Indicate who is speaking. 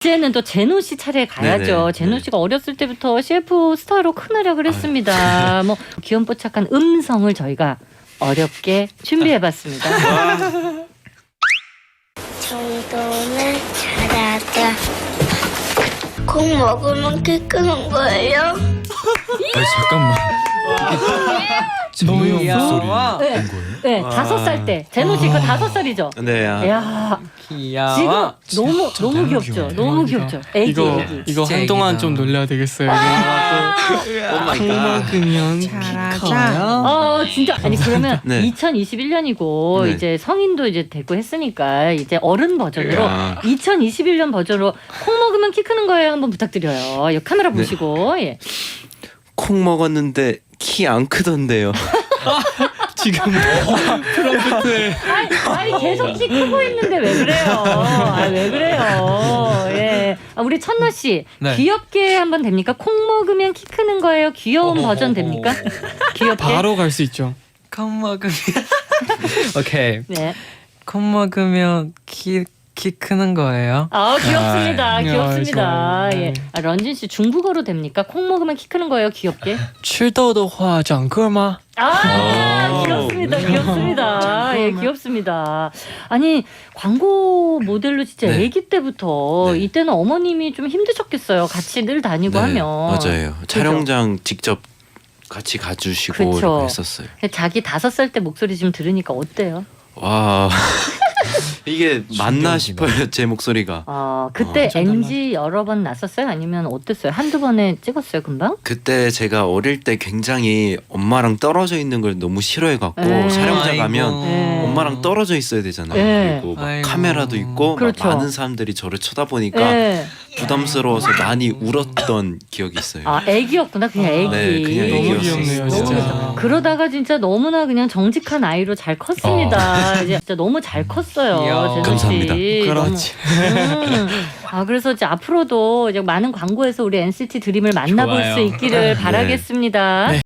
Speaker 1: 이제는 또 제노 씨 차례에 가야죠.
Speaker 2: 네네.
Speaker 1: 제노 씨가 어렸을 때부터 CF 스타로 큰 활약을 했습니다. 뭐 귀염뽀짝한 음성을 저희가 어렵게 준비해봤습니다.
Speaker 3: 정도는 잘하자. 콩 먹으면 키 크는 거예요?
Speaker 4: 아니 잠깐만.
Speaker 5: 너무
Speaker 4: 목소리
Speaker 5: 귀여워.
Speaker 1: 네.
Speaker 4: 온 거예요?
Speaker 1: 네, 5살 때. 제노 씨 그 5살이죠?
Speaker 2: 네.
Speaker 1: 야
Speaker 5: 귀여워.
Speaker 1: 지금 너무 귀엽죠?
Speaker 4: 귀여워요.
Speaker 1: 너무 귀엽죠? 애기
Speaker 5: 이거
Speaker 1: 애기.
Speaker 5: 이거
Speaker 4: 진짜
Speaker 5: 한동안
Speaker 4: 애기다.
Speaker 5: 좀 놀려야 되겠어요.
Speaker 2: 오 마이 갓.
Speaker 5: 먹으면 커요.
Speaker 1: 진짜 아니 그러면
Speaker 2: 네.
Speaker 1: 2021년이고
Speaker 2: 네.
Speaker 1: 이제 성인도 이제 됐고 했으니까 이제 어른 버전으로
Speaker 2: 야.
Speaker 1: 2021년 버전으로 콩 먹으면 키 크는 거예요. 한번 부탁드려요. 이 카메라 보시고 예.
Speaker 2: 콩 먹었는데 키 안 크던데요.
Speaker 5: 지금 트럼프트
Speaker 1: 아니 계속 키 크고 있는데 왜 그래요? 왜 그래요? 예. 우리 천나 씨
Speaker 4: 네.
Speaker 1: 귀엽게 한번 됩니까? 콩 먹으면 키 크는 거예요. 귀여운 버전 됩니까? 귀엽게.
Speaker 5: 바로 갈 수 있죠.
Speaker 4: 콩 먹으면 오케이.
Speaker 1: 네.
Speaker 4: 콩 먹으면 키 크는 거예요?
Speaker 1: 귀엽습니다.
Speaker 5: 아,
Speaker 1: 귀엽습니다.
Speaker 5: 좋아요.
Speaker 1: 예. 런쥔 씨 중국어로 됩니까? 콩 먹으면 키 크는 거예요. 귀엽게.
Speaker 5: 吃豆的话长个吗?
Speaker 1: 귀엽습니다. 귀엽습니다. 예, 귀엽습니다. 아니, 광고 모델로 진짜
Speaker 2: 네.
Speaker 1: 아기 때부터
Speaker 2: 네.
Speaker 1: 이때는 어머님이 좀 힘드셨겠어요. 같이 늘 다니고 하면.
Speaker 2: 맞아요. 촬영장 직접 같이 가주시고
Speaker 1: 그쵸.
Speaker 2: 이렇게 했었어요.
Speaker 1: 자기 5살 때 목소리 지금 들으니까 어때요?
Speaker 2: 와 이게 맞나
Speaker 4: 신기합니다.
Speaker 2: 싶어요. 제 목소리가.
Speaker 1: 그때
Speaker 5: 어,
Speaker 1: NG 여러 번 났었어요? 아니면 어땠어요? 한두 번에 찍었어요, 금방?
Speaker 2: 그때 제가 어릴 때 굉장히 엄마랑 떨어져 있는 걸 너무 싫어해갖고 촬영장
Speaker 4: 아이고.
Speaker 2: 가면
Speaker 1: 네.
Speaker 2: 엄마랑 떨어져 있어야 되잖아요.
Speaker 1: 네.
Speaker 2: 그리고 막
Speaker 4: 아이고.
Speaker 2: 카메라도 있고
Speaker 1: 그렇죠.
Speaker 2: 막 많은 사람들이 저를 쳐다보니까
Speaker 1: 예.
Speaker 2: 부담스러워서 많이 울었던 기억이 있어요.
Speaker 1: 애기였구나. 그냥 애기.
Speaker 2: 네, 그냥
Speaker 5: 너무
Speaker 2: 애기였어요.
Speaker 5: 귀엽네요,
Speaker 1: 너무
Speaker 5: 진짜.
Speaker 1: 귀엽다. 그러다가 진짜 너무나 그냥 정직한 아이로 잘 컸습니다. 이제 진짜 너무 잘 컸어요.
Speaker 4: 귀여워.
Speaker 1: 제노 씨.
Speaker 2: 감사합니다.
Speaker 5: 그렇지.
Speaker 1: 너무, 그래서 이제 앞으로도 이제 많은 광고에서 우리 NCT 드림을 만나볼
Speaker 4: 좋아요.
Speaker 1: 수 있기를 바라겠습니다.
Speaker 5: 네.